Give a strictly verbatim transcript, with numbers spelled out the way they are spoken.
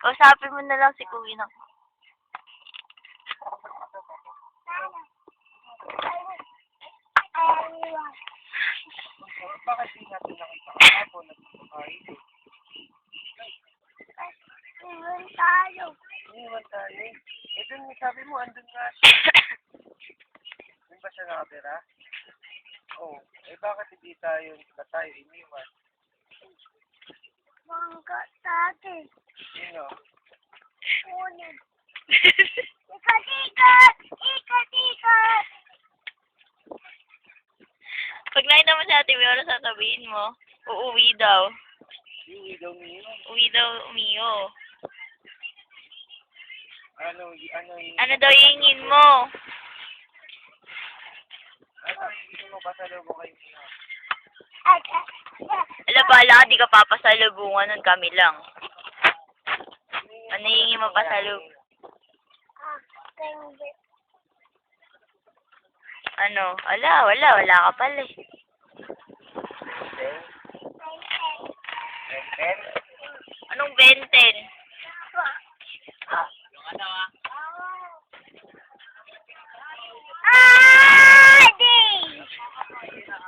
Kausapin mo na lang si Kuya na. Bakit di natin nakita kahapon na kumakain? Iwan tayo. Iniwan tayo. Eh, dun, sabi mo, andun nga siya. Doon ba siya nakatira? Oo. Oh, eh, bakit hindi tayo, na tayo iniwan? Mangga tayo. Sino? Kunin. Ikat-ikat! Ikat-ikat! Pag nakita mo si Ate Mio, ano sasabihin mo? Uuwi daw. Iwi daw niyo. Uwi daw, Mio. Ano, y- ano yung... Ano daw hingin mo? Ano yung mo pasalubong kayo niya? At, at, at. Ala, bala ka, di ka papasalubungan nun, kami lang. Ano hingin mo pasalubong? Ah, hindi. Ano? Ala, wala, wala ka pala eh. Ten? Ten? Anong benten?